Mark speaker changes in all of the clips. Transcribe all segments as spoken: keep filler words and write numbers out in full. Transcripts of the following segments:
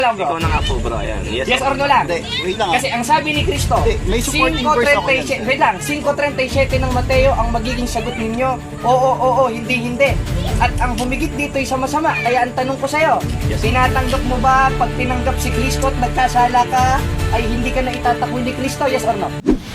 Speaker 1: lang, bro.
Speaker 2: Ikaw na nga po, bro. Ayan. Yes,
Speaker 1: Yes or no lang?
Speaker 3: Hindi, wait lang.
Speaker 1: Kasi ang sabi ni Cristo,
Speaker 3: Hindi, may supporting verse ako yan.
Speaker 1: five thirty-seven, wait lang, five thirty-seven ng Mateo ang magiging sagot ninyo. Oo, oo, oo, hindi, hindi. At ang humigit dito ay sama-sama. Kaya ang tanong ko sa'yo,
Speaker 2: Yes.
Speaker 1: tinatanggap mo ba pag tinanggap si Cristo at nagkasala ka, ay hindi ka na itatakwil ni Cristo? Yes or no?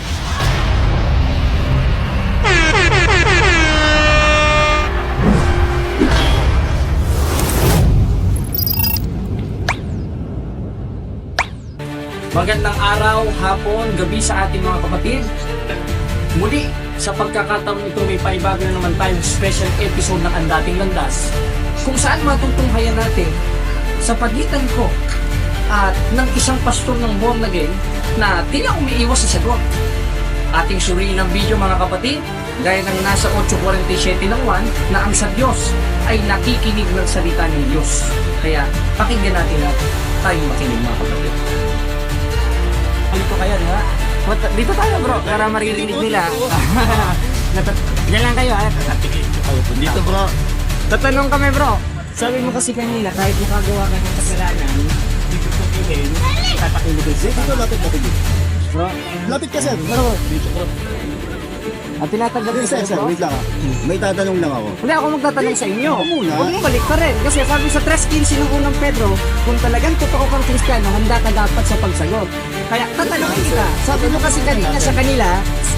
Speaker 1: Magandang araw, hapon, gabi sa ating mga kapatid. Muli, sa pagkakataon ito may paibago na naman tayong special episode ng Ang Dating Landas kung saan matutunghayan natin sa pagitan ko at ng isang pastor ng born again na tila umiiwas sa sagot. Ating suriin ang video mga kapatid, gaya ng nasa eight forty-seven ng one na ang sa Diyos ay nakikinig ng salita ng Diyos. Kaya pakinggan natin at tayo makinig mga kapatid. Dito kayo, di ba? Dito tayo bro, para maririnig nila. Diyan lang kayo, ha?
Speaker 2: Dito, bro.
Speaker 1: Tatanong kami bro. Sabi mo kasi kanina, kahit makagawa ka ng kasalanan, dito po pilin, tatakilig ko.
Speaker 3: Dito, lapit, lapit.
Speaker 1: Bro,
Speaker 3: Lapit ka, sir.
Speaker 1: bro,
Speaker 3: Dito, bro.
Speaker 1: at tinatanggap ko
Speaker 3: Hindi, sir,
Speaker 1: sa'yo
Speaker 3: sir,
Speaker 1: bro.
Speaker 3: wait lang ah. May tatanong lang ako.
Speaker 1: Hindi ako magtatanong sa inyo.
Speaker 3: Ako muna.
Speaker 1: Huwag mo balik ka rin. Kasi sabi sa three fifteen ng unang Pedro, kung talagang totoo kang Kristiyano, handa ka dapat sa pagsagot. Kaya tatanungin kita. Sabi mo kasi kanina sa kanila,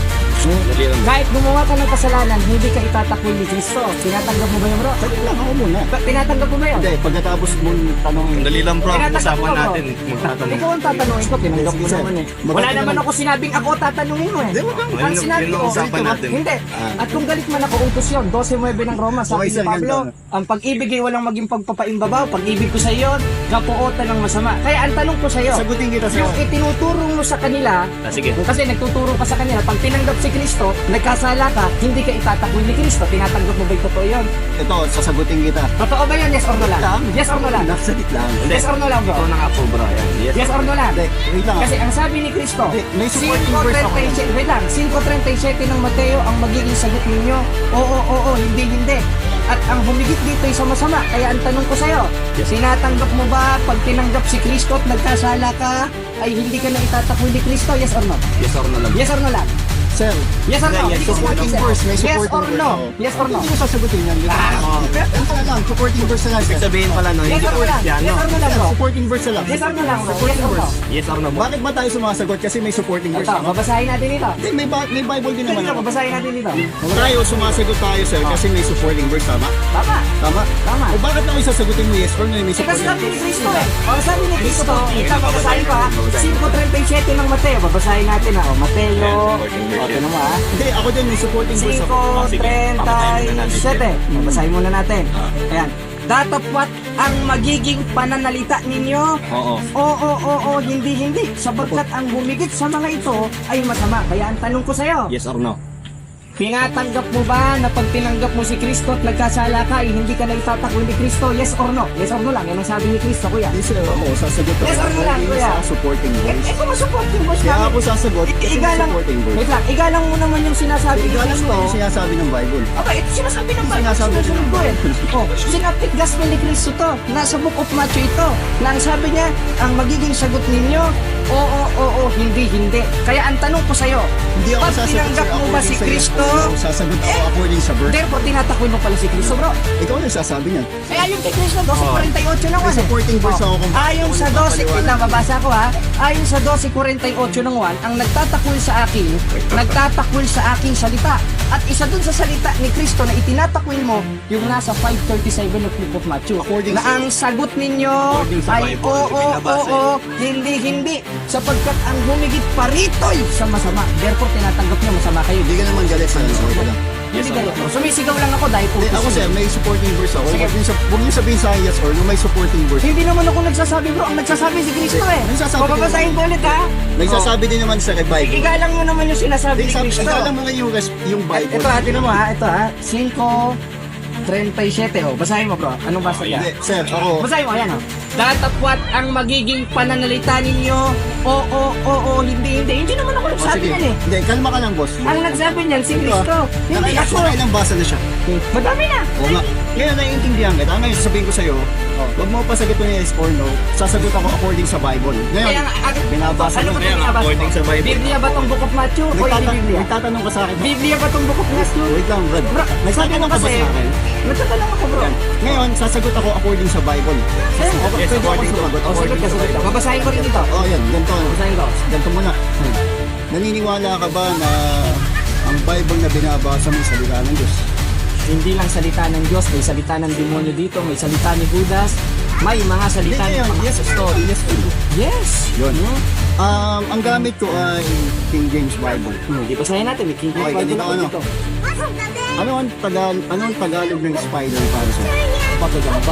Speaker 2: Dali lang.
Speaker 1: kahit gumawa ka ng kasalanan, hindi ka itatakwil ni Kristo. Tinatanggap mo ba yun bro?
Speaker 3: Saglit lang ako muna.
Speaker 1: Ba- Tinatanggap mo ba yun?
Speaker 3: Hindi, pagkatapos mong tanongin.
Speaker 2: Dali lang, bro.
Speaker 1: Tinatanong
Speaker 2: Usapan
Speaker 1: ko, bro.
Speaker 2: natin. Magtatanong.
Speaker 1: Ikaw ang tatanungin ko, tinanggap mo
Speaker 3: Sige, sir.
Speaker 1: naman eh.
Speaker 3: Maganda
Speaker 1: Wala naman
Speaker 3: naman.
Speaker 1: ako sinabing ako tatanungin mo eh.
Speaker 3: Hindi, wag kang-
Speaker 1: Ang
Speaker 2: Yun-
Speaker 1: sinabi
Speaker 2: yun ang
Speaker 1: ko,
Speaker 2: usapan natin.
Speaker 1: hindi.
Speaker 3: Ah.
Speaker 1: At kung galit man ako, utos yun, twelve nine ng Roma, sabi
Speaker 3: Okay,
Speaker 1: ni
Speaker 3: sir,
Speaker 1: Pablo,
Speaker 3: ganito.
Speaker 1: ang pag-ibig ay walang maging pagpapaimbabaw, pag-ibig ko sa iyo, kapuotan ng masama. Kaya ang tanong ko sa iyo,
Speaker 3: Sagutin kita, sir.
Speaker 1: yung itinuturo mo sa kanila,
Speaker 2: Ah, sige.
Speaker 1: kasi nagtuturo ka sa kanila, pag tinanggap si Kristo, nagkasala ka, hindi ka itatakwil ni Kristo. Tinatanggap mo ba yung totoo yun?
Speaker 3: Ito, sasagutin kita.
Speaker 1: Totoo ba yun? Yes or no lang?
Speaker 3: Lang.
Speaker 1: Yes or no lang?
Speaker 3: Naksalit lang.
Speaker 2: Hindi.
Speaker 1: Yes or no lang bro?
Speaker 2: Ikaw na nga po, bro. Ayan. Yes.
Speaker 1: Yes or no lang?
Speaker 3: Hindi, wait lang ah.
Speaker 1: Kasi ang sabi ni Kristo,
Speaker 3: Hindi, may supporting verse ako yan.
Speaker 1: wait lang, five thirty-seven ng Mateo ang magiging sagot ninyo. Oo, oo, oo, hindi, hindi. At ang humigit dito ay sama-sama. Kaya ang tanong ko sa'yo,
Speaker 2: Yes.
Speaker 1: tinatanggap mo ba pag tinanggap si Kristo at nagkasala ka, ay hindi ka na itatakwil ni Kristo? Yes or no?
Speaker 2: Yes or no lang.
Speaker 1: Yes or no lang?
Speaker 3: Sir,
Speaker 1: Yes or no?
Speaker 2: Yes,
Speaker 1: Hindi ko
Speaker 3: supporting
Speaker 1: sinabi
Speaker 3: verse, may
Speaker 1: sa'yo. Yes
Speaker 3: supporting
Speaker 1: or
Speaker 3: verse
Speaker 1: no?
Speaker 3: ako.
Speaker 1: Yes or no?
Speaker 3: Hindi mo sasagutin yan.
Speaker 1: Ah.
Speaker 3: Ito na lang, supporting verse na lang, sir.
Speaker 2: Ibig sabihin pala, no?
Speaker 1: Yes
Speaker 2: Hindi
Speaker 1: or
Speaker 2: po
Speaker 1: no lang?
Speaker 2: Kristiyano.
Speaker 1: Yes or no lang bro?
Speaker 3: Supporting verse na lang.
Speaker 1: Yes or no lang bro? Yes
Speaker 3: Supporting
Speaker 1: or no?
Speaker 3: verse.
Speaker 2: Yes or no, bro?
Speaker 3: Bakit ba tayo sumasagot? Kasi may supporting verse
Speaker 1: Ito,
Speaker 3: ako.
Speaker 1: babasahin natin dito.
Speaker 3: Hindi, may, ba- may Bible din naman
Speaker 1: Dito,
Speaker 3: ako.
Speaker 1: babasahin natin dito.
Speaker 3: Tayo, sumasagot tayo, sir, kasi may supporting verse, tama?
Speaker 1: Tama.
Speaker 3: Tama?
Speaker 1: Tama.
Speaker 3: O bakit lang isasagutin mo yes or no? May
Speaker 1: Eh, kasi
Speaker 3: supporting
Speaker 1: sabi ni
Speaker 3: verse.
Speaker 1: Kristo eh. O, sabi ni Kristo, ito, babasahin ko ha. five thirty-seven ng Mateo, babasahin natin ha. O, Mateo, o, ito naman ha.
Speaker 3: Hindi, ako din may supporting verse ako.
Speaker 1: five thirty-seven. Babasahin muna natin. Ayan. Datapwat ang magiging pananalita ninyo.
Speaker 2: Oo.
Speaker 1: Oo, oo, oo, hindi, hindi. Sapagkat ang humigit sa mga ito ay masama. Kaya ang tanong ko sa'yo,
Speaker 2: Yes or no?
Speaker 1: tinatanggap mo ba na pag tinanggap mo si Kristo at nagkasala ka, ay hindi ka na itatakwil ni Kristo? Yes or no? Yes or no lang. Yan ang sabi ni Kristo, kuya.
Speaker 3: Hindi, sir, ako, sasagot ako.
Speaker 1: Yes or no lang,
Speaker 3: Hindi
Speaker 1: kuya?
Speaker 3: sa supporting
Speaker 1: Eh,
Speaker 3: verse.
Speaker 1: eh kung masupporting verse
Speaker 3: Kaya
Speaker 1: namin,
Speaker 3: ako sasagot,
Speaker 1: I-
Speaker 3: kasi may
Speaker 1: igalang,
Speaker 3: supporting verse.
Speaker 1: wait lang, igalang mo naman yung sinasabi ni
Speaker 3: Igalang mo
Speaker 1: Kristo.
Speaker 3: yung sinasabi ng Bible.
Speaker 1: Okay, ito sinasabi ng Bible,
Speaker 3: Sinasabi din
Speaker 1: sinusunod
Speaker 3: ng
Speaker 1: ko eh.
Speaker 3: Bible.
Speaker 1: Oh, sinapit gospel ni Kristo to. Nasa book of Matthew ito. Na ang sabi niya, ang magiging sagot ninyo, oo, oo, hindi, hindi. Kaya ang tanong ko sa'yo,
Speaker 3: Hindi ako
Speaker 1: pag
Speaker 3: sasagot,
Speaker 1: tinanggap
Speaker 3: sir,
Speaker 1: mo ba
Speaker 3: according
Speaker 1: si
Speaker 3: sa yes
Speaker 1: Kristo,
Speaker 3: or no. Sasagot ako according sa verse.
Speaker 1: therefore tinatakwil mo pala si Kristo, bro.
Speaker 3: Ikaw na sasabi niyan.
Speaker 1: Kaya yung kay Kristo, twelve forty-eight ng
Speaker 3: May
Speaker 1: one.
Speaker 3: supporting verse ako kung bakit
Speaker 1: Ayon
Speaker 3: ako
Speaker 1: sa twelve,
Speaker 3: nagpapaliwanag.
Speaker 1: ito, babasa ko ha. Ayon sa twelve forty-eight ng one, ang nagtatakwil sa akin, nagtatakwil sa aking salita. At isa dun sa salita ni Kristo na itinatakwil mo, yung nasa five thirty-seven ng book of Matthew.
Speaker 3: According
Speaker 1: Na
Speaker 3: sa-
Speaker 1: ang sagot ninyo
Speaker 2: According sa
Speaker 1: ay
Speaker 2: Bible,
Speaker 1: oo, oo,
Speaker 2: binabasa
Speaker 1: oo, hindi, hindi. Sapagkat ang humigit paritoy sa masama. Therefore, tinatanggap niyo masama kayo.
Speaker 3: Hindi ka naman galit sa ano. Okay lang.
Speaker 1: Hindi galit. Sumisigaw lang ako dahil
Speaker 3: Hindi, ako
Speaker 1: utos
Speaker 3: sir,
Speaker 1: yun.
Speaker 3: may supporting verse ako.
Speaker 1: Sige.
Speaker 3: Huwag niyo sab- huwag niyo sabihin sa akin yes or no, may supporting verse.
Speaker 1: Hindi naman ako nagsasabi bro, ang nagsasabi si Kristo eh.
Speaker 3: Nagsasabi
Speaker 1: O babasahin ko ulit ha.
Speaker 3: Nagsasabi din naman sa Bible.
Speaker 1: Igalang mo naman yung sinasabi ni
Speaker 3: Sabi,
Speaker 1: Kristo.
Speaker 3: alam mo nga yung, res- yung Bible.
Speaker 1: Ito ha, tinan mo ha, ito ha. five thirty-seven oh. Basahin mo bro. Anong basa niya?
Speaker 3: Hindi, sir, ako.
Speaker 1: Basahin mo, ayan oh. Datapwat ang magiging pananalita ninyo. Oo, oo, oo, hindi, hindi. Hindi naman ako
Speaker 3: Oh,
Speaker 1: nagsabi
Speaker 3: sige.
Speaker 1: yan eh.
Speaker 3: Hindi, kalma ka lang, boss.
Speaker 1: Ang nagsabi niyan si
Speaker 3: Ito,
Speaker 1: Kristo.
Speaker 3: ah.
Speaker 1: Hindi
Speaker 3: Nakita
Speaker 1: ako.
Speaker 3: ko, ilang basa na siya.
Speaker 1: Madami na.
Speaker 3: Oo nga. Ngayon, naiintindihan kita. Ngayon, sasabihin ko sa'yo, huwag mo pasagot yung yes or no. Sasagot ako according sa Bible. Ngayon,
Speaker 1: Kaya nga, agad,
Speaker 3: binabasa
Speaker 1: ano
Speaker 3: mo.
Speaker 1: ba
Speaker 2: Kaya nga,
Speaker 1: binabasa
Speaker 2: according
Speaker 1: mo?
Speaker 2: sa Bible.
Speaker 1: Biblia ba tong Book of Matthew o hindi
Speaker 3: Nagtata-
Speaker 1: Biblia?
Speaker 3: Nagtatanong ka sa akin.
Speaker 1: Biblia ba tong Book of Matthew?
Speaker 3: Wait lang, Brad.
Speaker 1: Bro,
Speaker 3: Nagtatanong ka ba
Speaker 1: kasi,
Speaker 3: sa akin?
Speaker 1: nagtatanong ako bro.
Speaker 3: Ngayon, sasagot ako according sa Bible.
Speaker 1: Kaya nga,
Speaker 3: Okay,
Speaker 2: Yes,
Speaker 3: pwede ako
Speaker 2: according to-
Speaker 3: sumagot.
Speaker 1: O sige, kasagot ka. Babasahin ko rin ito.
Speaker 3: Oh, yan. Ganito.
Speaker 1: Babasahin ko.
Speaker 3: Ganito muna. Hmm. Naniniwala ka ba na ang Bible na binabasa mo salita ng Diyos?
Speaker 1: Hindi lang salita ng Diyos, may salita ng demonyo dito, may salita ni Judas, may mga salita
Speaker 3: Hindi,
Speaker 1: ng
Speaker 3: yun.
Speaker 1: mga
Speaker 3: Yes,
Speaker 1: apostol.
Speaker 3: yes,
Speaker 1: Yes!
Speaker 3: Yun. Um, ang gamit ko ay King James Bible.
Speaker 1: Hmm, di basahin natin, may King James
Speaker 3: Okay,
Speaker 1: Bible
Speaker 3: ganito,
Speaker 1: ako
Speaker 3: ano?
Speaker 1: dito.
Speaker 3: Ano ang tagal ano ang Tagalog ng spider para sa?
Speaker 1: Patagamba.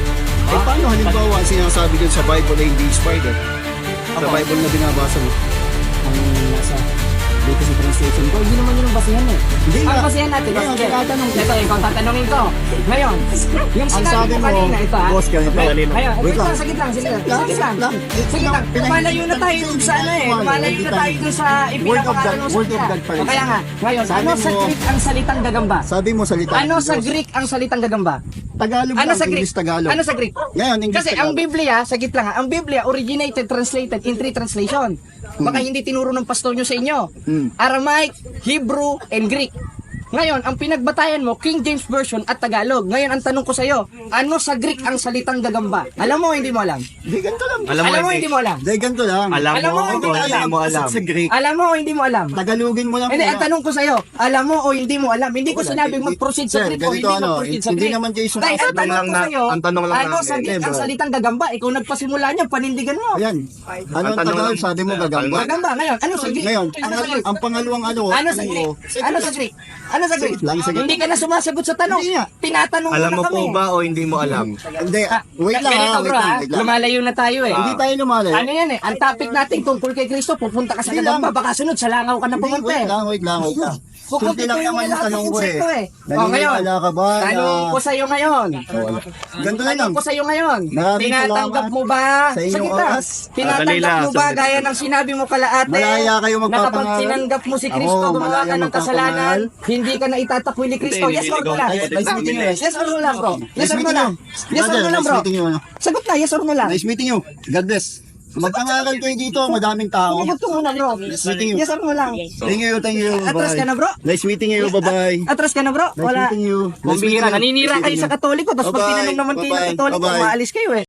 Speaker 3: Eh paano halimbawa ang sinasabi dyan sa Bible ay hindi spider? Sa
Speaker 1: Ako.
Speaker 3: Bible na binabasa mo.
Speaker 1: Ang nasa dito sa translation ko, hindi naman yun ang basihan eh.
Speaker 3: Hindi
Speaker 1: Ang
Speaker 3: nga.
Speaker 1: basihan natin,
Speaker 3: Ngayon,
Speaker 1: sige.
Speaker 3: tinatanong
Speaker 1: Ito, ikaw tatanungin ko. Ngayon, yung
Speaker 3: Ang
Speaker 1: sinabi
Speaker 3: sabi
Speaker 1: mo
Speaker 3: mo,
Speaker 1: kanina, ito ha.
Speaker 3: boss, ganito.
Speaker 1: Ngayon,
Speaker 2: Kanina.
Speaker 1: ngayon,
Speaker 3: Wait
Speaker 1: wait lang,
Speaker 3: lang.
Speaker 1: sagit lang, sige lang.
Speaker 3: Lang,
Speaker 1: Sagit lang.
Speaker 3: lang.
Speaker 1: Sige lang, lumalayo na tayo dun sa ano eh. Lumalayo na tayo dun sa
Speaker 3: Word of God,
Speaker 1: ipinapangalan mo sa
Speaker 3: word of
Speaker 1: kanya.
Speaker 3: God pa rin.
Speaker 1: O kaya nga, ngayon,
Speaker 3: Sabi
Speaker 1: ano sa
Speaker 3: mo-
Speaker 1: Greek ang salitang gagamba?
Speaker 3: Sabi mo salita.
Speaker 1: Ano
Speaker 3: ng
Speaker 1: sa
Speaker 3: Diyos.
Speaker 1: Greek ang salitang gagamba?
Speaker 3: Tagalog
Speaker 1: Ano
Speaker 3: lang,
Speaker 1: sa Greek?
Speaker 3: English Tagalog.
Speaker 1: Ano sa Greek?
Speaker 3: Ngayon, English
Speaker 1: Kasi ang
Speaker 3: Tagalog.
Speaker 1: Biblia, sagit lang ha, ang Biblia originated, translated in three translation. Baka hindi tinuro ng pastor nyo sa inyo.
Speaker 3: Hmm.
Speaker 1: Aramaic, Hebrew, and Greek. Ngayon, ang pinagbatayan mo, King James Version at Tagalog. Ngayon, ang tanong ko sa iyo, ano sa Greek ang salitang gagamba? Alam mo o hindi mo alam?
Speaker 3: Hindi, ganito lang.
Speaker 2: Alam mo,
Speaker 1: Alam mo o
Speaker 2: hindi.
Speaker 1: hindi mo alam?
Speaker 3: Hindi, ganito lang.
Speaker 2: Alam
Speaker 1: Alam
Speaker 2: mo,
Speaker 1: mo, hindi
Speaker 2: o
Speaker 1: mo
Speaker 2: hindi
Speaker 1: alam.
Speaker 2: mo alam.
Speaker 3: Sa Greek.
Speaker 1: Alam mo o hindi mo alam?
Speaker 3: Tagalogin mo lang.
Speaker 1: Hindi,
Speaker 3: muna.
Speaker 1: ang tanong ko sa iyo, alam mo o hindi mo alam? Hindi ko
Speaker 3: Wala,
Speaker 1: sinabing
Speaker 3: hindi-
Speaker 1: mag-proceed sa
Speaker 3: Sir,
Speaker 1: Greek o
Speaker 3: ganito
Speaker 1: hindi
Speaker 3: ano,
Speaker 1: mag-proceed sa
Speaker 3: hindi
Speaker 1: Greek.
Speaker 3: naman Jason
Speaker 1: Dahil ang
Speaker 3: ang
Speaker 1: tanong
Speaker 2: lang
Speaker 1: ko
Speaker 2: na-
Speaker 1: sa iyo,
Speaker 2: ang tanong lang
Speaker 1: ano
Speaker 2: namin,
Speaker 1: sa Greek
Speaker 3: eh,
Speaker 1: ang
Speaker 3: bro.
Speaker 1: salitang gagamba? Ikaw nagpasimula niyan, panindigan mo.
Speaker 3: Ayan. Ano ang
Speaker 2: Ang tanong
Speaker 3: Tagalog?
Speaker 2: lang-
Speaker 3: Sabi mo gagamba.
Speaker 1: Gagamba, ngayon, ano sa Greek?
Speaker 3: Ngayon,
Speaker 1: Ano sa Greek?
Speaker 3: ang pangalawang ano,
Speaker 1: Ano sa Greek? Ano sa Greek? Ano sa Greek?
Speaker 3: Lang sa Greek.
Speaker 1: Hindi ka na sumasagot sa tanong.
Speaker 3: Hindi nga.
Speaker 1: Tinatanong
Speaker 2: Alam
Speaker 1: mo
Speaker 2: mo
Speaker 1: na kami.
Speaker 2: po ba o hindi mo alam?
Speaker 3: Hindi,
Speaker 1: Ah,
Speaker 3: wait lang
Speaker 1: ganito,
Speaker 3: ha,
Speaker 1: bro,
Speaker 3: wait lang,
Speaker 1: ha?
Speaker 3: wait lang.
Speaker 1: Lumalayo na tayo eh.
Speaker 3: Hindi tayo lumalay.
Speaker 1: Ano yan eh? Ang topic natin tungkol kay Kristo, pupunta ka sa
Speaker 3: Hindi
Speaker 1: gagamba,
Speaker 3: lang.
Speaker 1: baka sunod sa langaw ka na
Speaker 3: Hindi,
Speaker 1: pumunta
Speaker 3: wait
Speaker 1: eh.
Speaker 3: lang, wait lang, wait lang. Simple lang naman yung tanong ko eh.
Speaker 1: O ngayon,
Speaker 3: Naniniwala ka ba na...
Speaker 1: tanong ko sa iyo ngayon.
Speaker 3: Ganito na lang.
Speaker 1: Tanong ko sa iyo ngayon.
Speaker 3: Maraming
Speaker 1: Tinatanggap
Speaker 3: salamat
Speaker 1: mo ba?
Speaker 3: sa inyong
Speaker 1: Sige lang.
Speaker 3: oras.
Speaker 1: Tinatanggap
Speaker 2: Sandali lang,
Speaker 1: mo ba
Speaker 2: sandali.
Speaker 1: gaya ng sinabi mo kalaate?
Speaker 3: Malaya kayo
Speaker 1: Na kapag
Speaker 3: magpapangaral.
Speaker 1: tinanggap mo si Kristo,
Speaker 3: Ako,
Speaker 1: gumawa
Speaker 3: malaya
Speaker 1: ka ng kasalanan,
Speaker 3: magpapangaral.
Speaker 1: hindi ka na itatakwi ni Kristo.
Speaker 2: Hindi,
Speaker 1: Yes or no
Speaker 2: hindi,
Speaker 1: lang?
Speaker 3: Nice, nice meeting you. guys.
Speaker 1: Yes or no lang, bro? Yes
Speaker 3: Nice
Speaker 1: or no
Speaker 3: meeting
Speaker 1: lang?
Speaker 3: you.
Speaker 1: Yes or no
Speaker 3: Brother,
Speaker 1: lang,
Speaker 3: nice
Speaker 1: bro?
Speaker 3: meeting you, ano?
Speaker 1: Sagot na, yes or no lang?
Speaker 3: Nice meeting you. God bless. Magpangaral kayo dito, madaming tao.
Speaker 1: Sagot ko muna, bro.
Speaker 3: Nice meeting you.
Speaker 1: Yes or no lang?
Speaker 3: Thank you, thank you.
Speaker 1: Atras ka na, bro?
Speaker 3: Nice meeting you, bye-bye.
Speaker 1: Atras ka na, bro?
Speaker 3: Nice
Speaker 1: Wala.
Speaker 3: meeting you. Nice
Speaker 1: Kumbira,
Speaker 3: meeting you.
Speaker 1: naninira
Speaker 3: Nice
Speaker 1: kayo
Speaker 3: meeting
Speaker 1: sa
Speaker 3: you.
Speaker 1: Katoliko, tapos pag
Speaker 3: Bye-bye.
Speaker 1: tinanong naman kayo ng
Speaker 3: Bye-bye.
Speaker 1: Katoliko,
Speaker 3: Bye-bye.
Speaker 1: maalis kayo eh.